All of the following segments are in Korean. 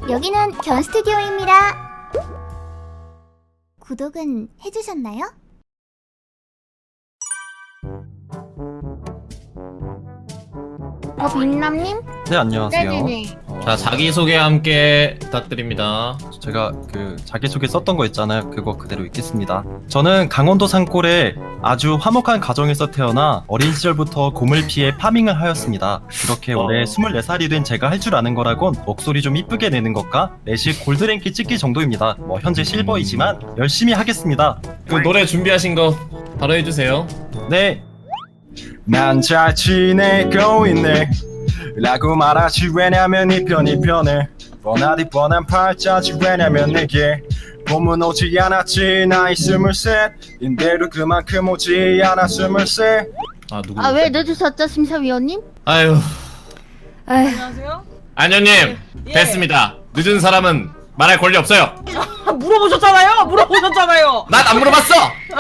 여기는 견 스튜디오입니다. 구독은 해주셨나요? 빈남님? 네, 안녕하세요. 네네네. 자, 자기소개 함께 부탁드립니다. 제가 그 자기소개 썼던 거 있잖아요. 그거 그대로 읽겠습니다. 저는 강원도 산골에 아주 화목한 가정에서 태어나 어린 시절부터 곰을 피해 파밍을 하였습니다. 그렇게 올해 24살이 된 제가 할 줄 아는 거라곤 목소리 좀 이쁘게 내는 것과 내식 골드랭크 찍기 정도입니다. 뭐 현재 실버이지만 열심히 하겠습니다. 그 노래 준비하신 거 바로 해주세요. 네. 난 잘 지내고 있네 라고 말하지. 왜냐면 이 편이 편해. 뻔하디 뻔한 팔자지. 왜냐면 내게 봄은 오지 않았지. 나이 23인데도 그만큼 오지 않아 23. 아, 누구? 아, 왜 늦으셨죠, 심사위원님? 아유, 안녕하세요. 안녕님 예. 됐습니다. 늦은 사람은 말할 권리 없어요. 물어보셨잖아요. 물어보셨잖아요. 난 안 물어봤어.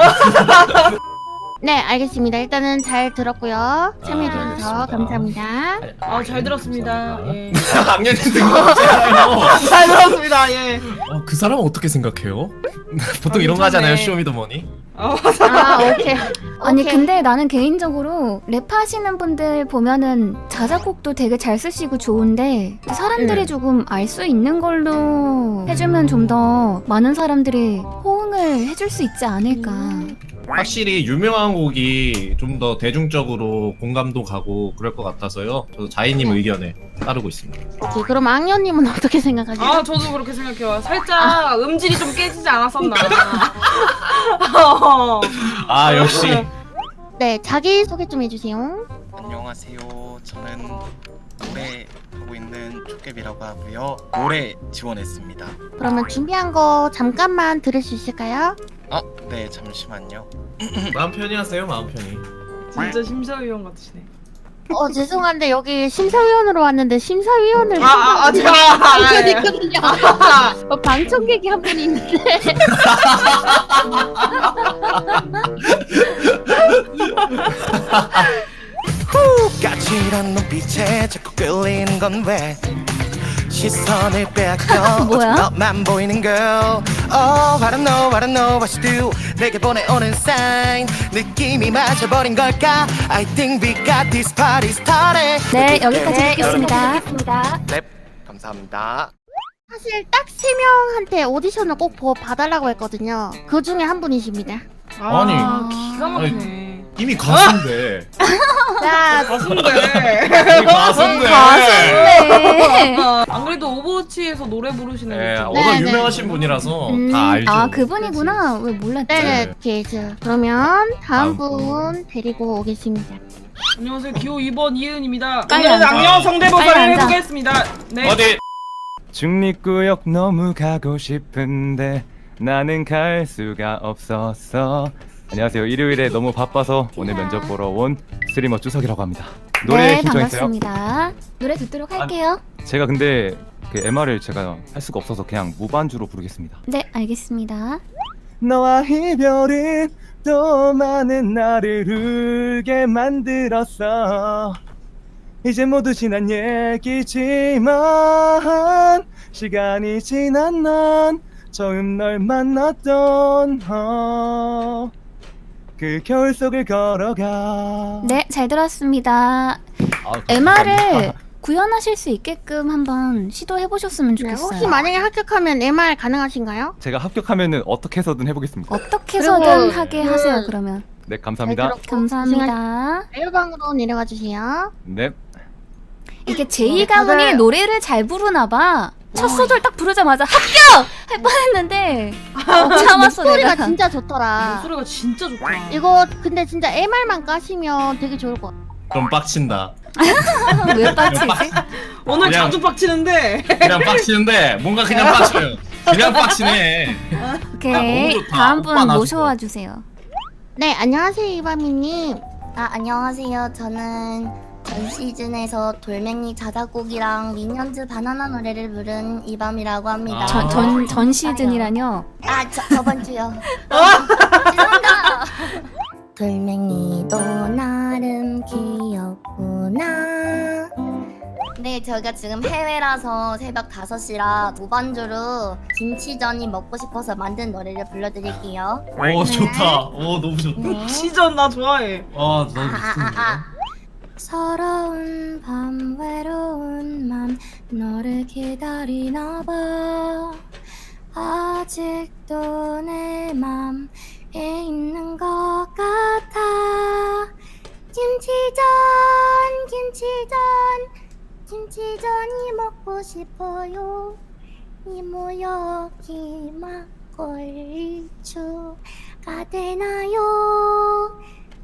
네, 알겠습니다. 일단은 잘 들었고요. 참여해주셔서 알겠습니다. 감사합니다. 아, 잘 들었습니다. 예. 악년이 뜬거잖아요. 잘 들었습니다. 예. 그 사람은 어떻게 생각해요? 보통 이런 거 하잖아요. 쇼미더머니. 아, 오케이. 아니 오케이. 근데 나는 개인적으로 랩하시는 분들 보면은 자작곡도 되게 잘 쓰시고 좋은데 사람들이 네. 조금 알 수 있는 걸로 해주면 좀 더 많은 사람들이 호응을 해줄 수 있지 않을까. 확실히 유명한 곡이 좀 더 대중적으로 공감도 가고 그럴 것 같아서요. 저도 자이님 의견에 따르고 있습니다. 오케이, 그럼 악녀님은 어떻게 생각하세요? 아, 저도 그렇게 생각해요. 살짝 음질이 좀 깨지지 않았었나. 아, 역시. 네, 자기 소개 좀 해주세요. 안녕하세요. 저는 노래 하고 있는 촉개비라고 하고요. 노래 지원했습니다. 그러면 준비한 거 잠깐만 들을 수 있을까요? 네, 잠시만요. 마음 편히 하세요. 마음 편히. 진짜 심사위원 같으시네. 죄송한데 여기 심사위원으로 왔는데 심사위원을 제가 있거든요. 방청객이 한 분이 있는데. 까칠한 눈빛에 자꾸 끌리는 건 왜? 시선을 빼앗겨 뭐야? 오직 너만 보이는 girl. Oh, I don't know, I don't know what you do. 내게 보내오는 sign 느낌이 맞아버린 걸까? I think we got this party started. 네, 여기까지 네, 듣겠습니다. 네, 감사합니다. 사실 딱 3명한테 오디션을 꼭 봐달라고 했거든요. 그 중에 한 분이십니다. 아니. 기가 막히네. 이미 가수인데. 자, 가수인데. 이미 가수인데. 네. 안 그래도 오버워치에서 노래 부르시는 네, 분. 워낙 네, 네. 유명하신 분이라서 다 알죠. 아 그분이구나. 왜 몰랐지? 네, 오케이. 자, 그러면 다음 다음 분 데리고 오겠습니다. 안녕하세요. 기호 2번 이은입니다. 빨리 오늘은 앉아. 악령 빨리 성대모사를 앉아. 해보겠습니다. 네. 어디? 중립구역 너무 가고 싶은데 나는 갈 수가 없었어. 안녕하세요. 일요일에 너무 바빠서 오늘 면접 보러 온 스트리머 쭈석이라고 합니다. 노래 네, 신청했어요. 반갑습니다. 노래 듣도록 할게요. 제가 근데 그 MR을 제가 할 수가 없어서 그냥 무반주로 부르겠습니다. 네, 알겠습니다. 너와 이별은 또 많은 나를 울게 만들었어. 이제 모두 지난 얘기지만 시간이 지난 난 처음 널 만났던 그 겨울 속을 걸어가. 네, 잘 들었습니다. 감사합니다. MR을 구현하실 수 있게끔 한번 시도해 보셨으면 네, 좋겠어요. 혹시 만약에 합격하면 MR 가능하신가요? 제가 합격하면은 어떻게 해서든 해보겠습니다. 어떻게 해서든 그리고 하게 하세요. 그러면 네, 감사합니다. 감사합니다. 메일방으로 내려가 주세요. 네. 이게 제이 가문이 다들- 노래를 잘 부르나 봐. 첫 소절 딱 부르자마자 합격! 할 뻔했는데 참았어 목소리가 내가. 진짜 좋더라. 목소리가 진짜 좋다. 이거 근데 진짜 MR만 까시면 되게 좋을 것 같아. 좀 빡친다. 왜 빠지지? 오늘 그냥- 자주 빡치는데. 그냥 빡치는데 뭔가 그냥 빡쳐요. 그냥 빡치네. 오케이. 너무 좋다. 다음 오빠 분 나주고. 모셔와 주세요. 네, 안녕하세요, 이바미님. 안녕하세요. 저는 전 시즌에서 돌멩이 자작곡이랑 미니언즈 바나나 노래를 부른 이밤이라고 합니다. 전 시즌이라뇨. 저번 주요. 죄송합니다. 돌멩이도 나름 귀엽구나. 네, 저희가 지금 해외라서 새벽 5시라 무반주로 김치전이 먹고 싶어서 만든 노래를 불러드릴게요. 오 좋다. 오 너무 좋다. 네. 시전 나 좋아해. 아 너무 좋은데. 서러운 밤 외로운 맘 너를 기다리나 봐. 아직도 내 맘에 있는 것 같아. 김치전이 먹고 싶어요. 이모 여기 막걸리추가 되나요?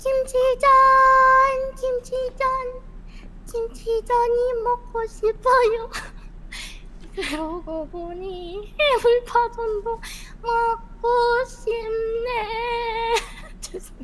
김치전이 먹고 싶어요. 그러고 보니 해물파전도 먹고 싶네. 죄송해요.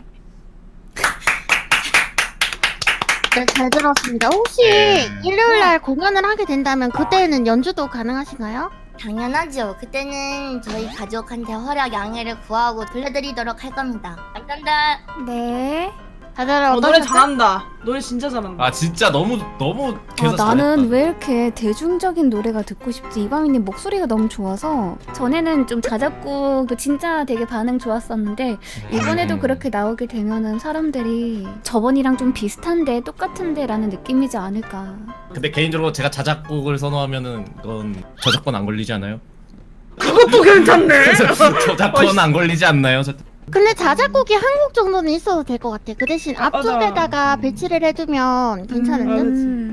네, 잘 들었습니다. 혹시 일요일날 공연을 하게 된다면 그때는 연주도 가능하신가요? 당연하죠. 그때는 저희 가족한테 허락 양해를 구하고 들려드리도록 할 겁니다. 깜깜다. 네. 다들 노래 어떠셨어요? 잘한다. 노래 진짜 잘한다. 아 진짜 너무 계속 나는 왜 이렇게 대중적인 노래가 듣고 싶지? 이방인님 목소리가 너무 좋아서 전에는 좀 자작곡도 진짜 되게 반응 좋았었는데 이번에도 그렇게 나오게 되면은 사람들이 저번이랑 좀 비슷한데 똑같은데 라는 느낌이지 않을까. 근데 개인적으로 제가 자작곡을 선호하면은 그건 저작권 안 걸리지 않아요? 그것도 괜찮네. 저작권 안 걸리지 않나요? 근데 자작곡이 한 곡 정도는 있어도 될 것 같아. 그 대신 맞아. 앞쪽에다가 배치를 해두면 괜찮은 듯?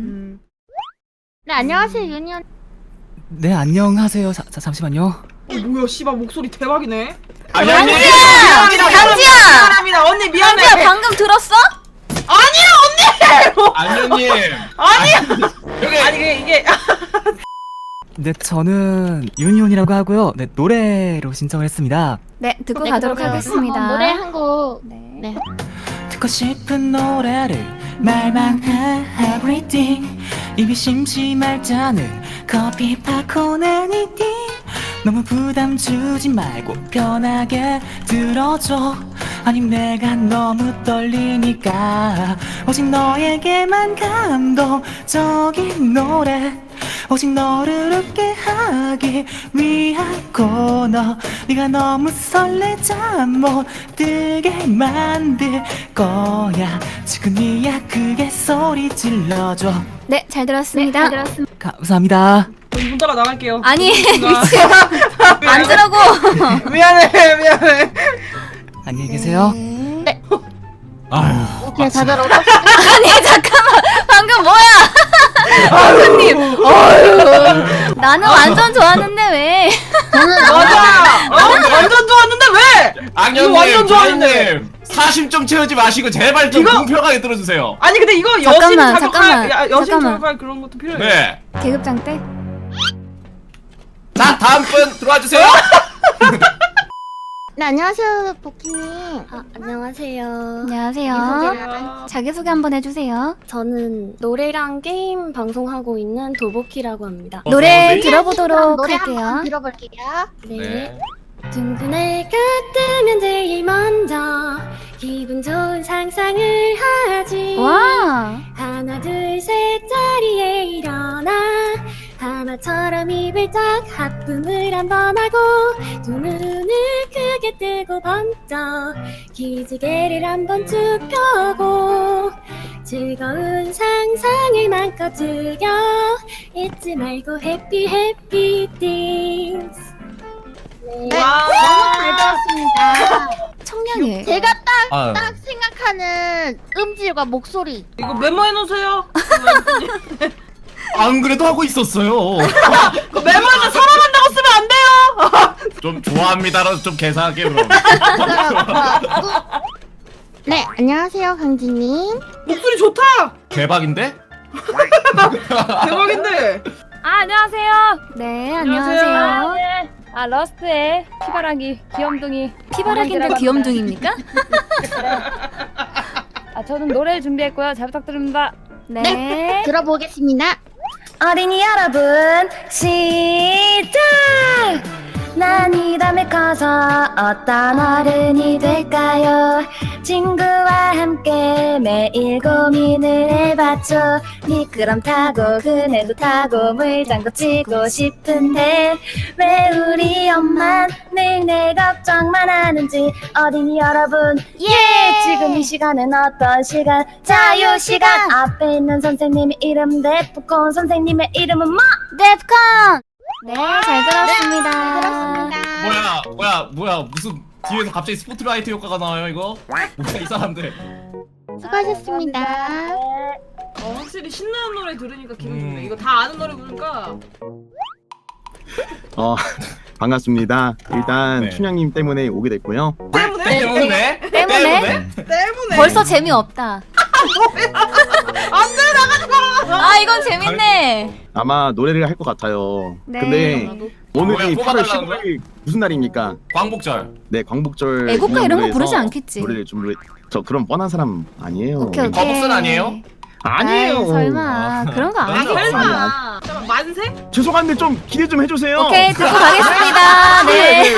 네, 안녕하세요, 유니언. 네, 안녕하세요. 잠시만요. 뭐야 씨발 목소리 대박이네. 아니 강지야. 미안합니다. 언니 미안해. 강지야 방금 들었어? 안녕님. 여기 아니 이게 네, 저는 윤희훈이라고 하고요. 네, 노래로 신청을 했습니다. 네, 듣고 네, 가도록 그러면 하겠습니다. 노래 한 곡. 네. 네. 듣고 싶은 노래를 말만 해 everything. 입이 심심할 때는 커피 파코는 이띵. 너무 부담 주지 말고 편하게 들어줘. 아니 내가 너무 떨리니까 오직 너에게만 감동적인 노래. 오직 너를 웃게 하기 위한 코너. 네가 너무 설레자 못 들게 만들 거야. 지금이야 크게 소리 질러줘. 네, 잘 들었습니다. 감사합니다. 문 따라 나갈게요. 아니, 앉으라고. 미안해. 안녕히 계세요. 아유. 오케이, 다들 어떠 아니, 잠깐만. 방금 뭐야? 교수님. 나는 완전 좋았는데 왜? 맞아. 완전 좋았는데 왜? 이거 악녀님, 완전 좋았는데. 조이님, 사심 좀 채우지 마시고 제발 좀 이거- 공평하게 들어주세요. 아니 근데 이거 잠깐만, 여신 잠깐만, 자극할 여신 잠깐만. 자극할 그런 것도 필요해. 네. 계급장 때? 자 다음 분 들어와 주세요. 네, 안녕하세요, 보키님. 안녕하세요. 안녕하세요. 안녕하세요. 자기소개 한번 해주세요. 저는 노래랑 게임 방송하고 있는 도보키라고 합니다. 노래 네. 들어보도록 노래 할게요. 한번 들어볼게요. 네. 둥근 해가 뜨면 제일 먼저 기분 좋은 상상을 하지. 와, 하나 둘 셋 자리에 일어나 하나처럼 입을 쫙 하품을 한번 하고 두 눈을 크게 뜨고 번쩍 기지개를 한번 쭉 펴고 즐거운 상상을 마음껏 즐겨 잊지 말고 해피 해피 띵스. 네, 너무 잘 들었습니다. 청량해. 제가 아유. 딱 생각하는 음질과 목소리. 이거 메모해 놓으세요. 안 그래도 하고 있었어요. 그 메모해서 사랑한다고 쓰면 안 돼요. 좀 좋아합니다라도 좀 개사하게 그럼. 네, 안녕하세요, 강진님. 목소리 좋다. 대박인데? 대박인데. 아, 안녕하세요. 네, 안녕하세요. 안녕하세요. 네. 아, 러스트의 피바라기 귀염둥이. 피바라기인데 강진이라고 귀염둥입니까? 아, 저는 노래 준비했고요. 잘 부탁드립니다. 네. 들어보겠습니다. 어린이 여러분 시작! 난 이 다음에 커서 어떤 어른이 될까요? 친구와 함께 매일 고민을 해봤죠. 미끄럼 타고 그네도 타고 물장구 치고 싶은데 왜 우리 엄만 늘 내 걱정만 하는지. 어린이 여러분, 지금 이 시간은 어떤 시간? 자유시간. 앞에 있는 선생님의 이름 데프콘, 선생님의 이름은 뭐? 데프콘. 네, 잘 들었습니다. 뭐야 무슨 뒤에서 갑자기 스포트라이트 효과가 나와요 이거? 뭐야 이 사람들. 수고하셨습니다. 확실히 신나는 노래 들으니까 기분 좋네. 이거 다 아는 노래 부르니까. 반갑습니다. 일단 네. 춘향님 때문에 오게 됐고요. 때문에? 때문에? 벌써 재미없다. 안돼, 나가지 마. 아, 이건 재밌네. 아마 노래를 할 것 같아요. 네. 근데 오늘이 뭐야, 8월 뽑아달라는 15일 무슨 날입니까? 광복절. 네, 광복절. 애국가 이런 거 노래에서 부르지 않겠지. 노래를 좀 저 그런 뻔한 사람 아니에요. 오케이. 거북선 아니에요? 아니에요. 아이, 설마 그런 거 아니겠지. 설마. 잠깐만, 만세? 죄송한데 좀 기대 좀 해주세요. 오케이, 듣고 가겠습니다. 네.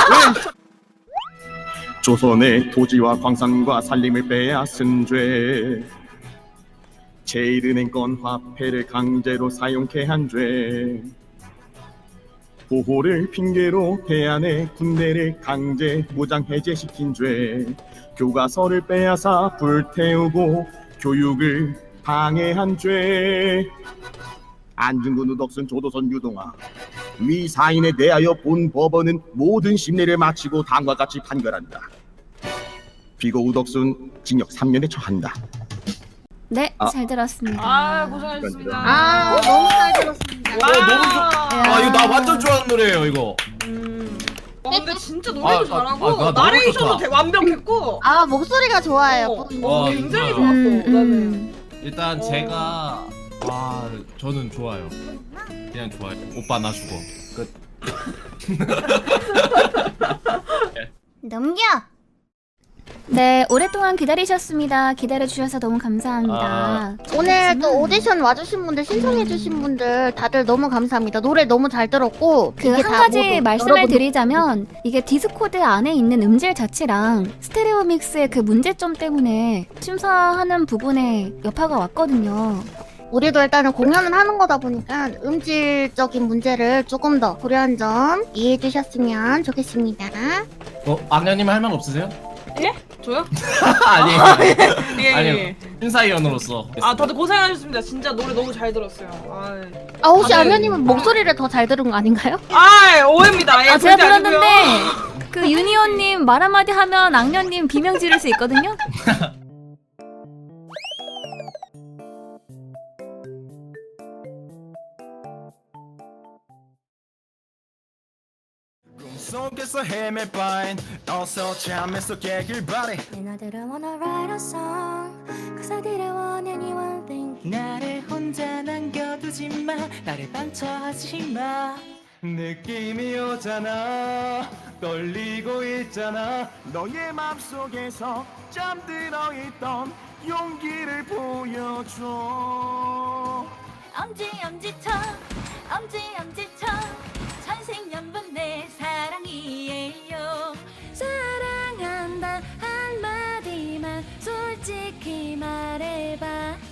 조선의 토지와 광산과 산림을 빼앗은 죄, 제1은행권 화폐를 강제로 사용케 한 죄, 보호를 핑계로 대안의 군대를 강제 무장 해제시킨 죄, 교과서를 빼앗아 불태우고 교육을 방해한 죄, 안중근 우덕순 조도선 유동화 위 사인에 대하여 본 법원은 모든 심리를 마치고 다음과 같이 판결한다. 비고 우덕순 징역 3년에 처한다. 네, 잘 들었습니다. 아, 고생하셨습니다. 너무 잘 들었습니다. 너무 좋아. 이거 나 완전 좋아하는 노래예요 이거. 근데 진짜 노래도 잘하고 나 너무 나레이션도 좋다. 완벽했고. 목소리가 좋아요. 굉장히 진짜. 좋았어. 나는. 일단 제가 저는 좋아요. 그냥 좋아요. 오빠 나 죽어. 끝. 넘겨. 네, 오랫동안 기다리셨습니다. 기다려주셔서 너무 감사합니다. 오늘 또 오디션 와주신 분들, 신청해주신 분들 다들 너무 감사합니다. 노래 너무 잘 들었고 그 이게 한 다 가지 모두 말씀을 여러분들 드리자면 이게 디스코드 안에 있는 음질 자체랑 스테레오 믹스의 그 문제점 때문에 심사하는 부분에 여파가 왔거든요. 우리도 일단은 공연을 하는 거다 보니까 음질적인 문제를 조금 더 고려한 점 이해해 주셨으면 좋겠습니다. 악녀님 할 말 없으세요? 예? 저요? 아니에요. 예. 아니요. 심사위원으로서. 다들 고생하셨습니다. 진짜 노래 너무 잘 들었어요. 혹시 다들- 아면님은 목소리를 더 잘 들은 거 아닌가요? 오해입니다. 예, 제가 절대 아니고요. 들었는데 그 유니온님 말 한마디 하면 악녀님 비명 지를 수 있거든요. 속에서 헤맬 바엔 어서 잠에서 깨길 바래. And I didn't wanna write a song Cause I didn't want anyone thinking 나를 혼자 남겨두지 마, 나를 방처하지 마. 느낌이 오잖아, 떨리고 있잖아. 너의 맘속에서 잠들어 있던 용기를 보여줘. 엄지척 천생연분 내 사랑이에요. 사랑한다 한마디만 솔직히 말해봐.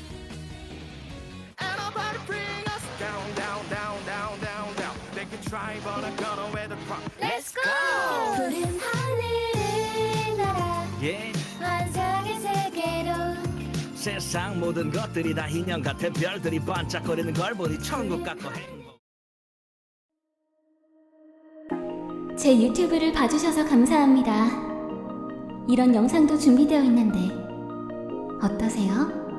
And nobody bring us down, down, down, down, down, down. They can try but I'm gonna wear the crown. Let's go. 푸른 하늘을 날아 환상의 세계로. 세상 모든 것들이 다 인형 같은 별들이 반짝거리는 걸 보니 천국 같고 행복. 제 유튜브를 봐주셔서 감사합니다. 이런 영상도 준비되어 있는데 어떠세요?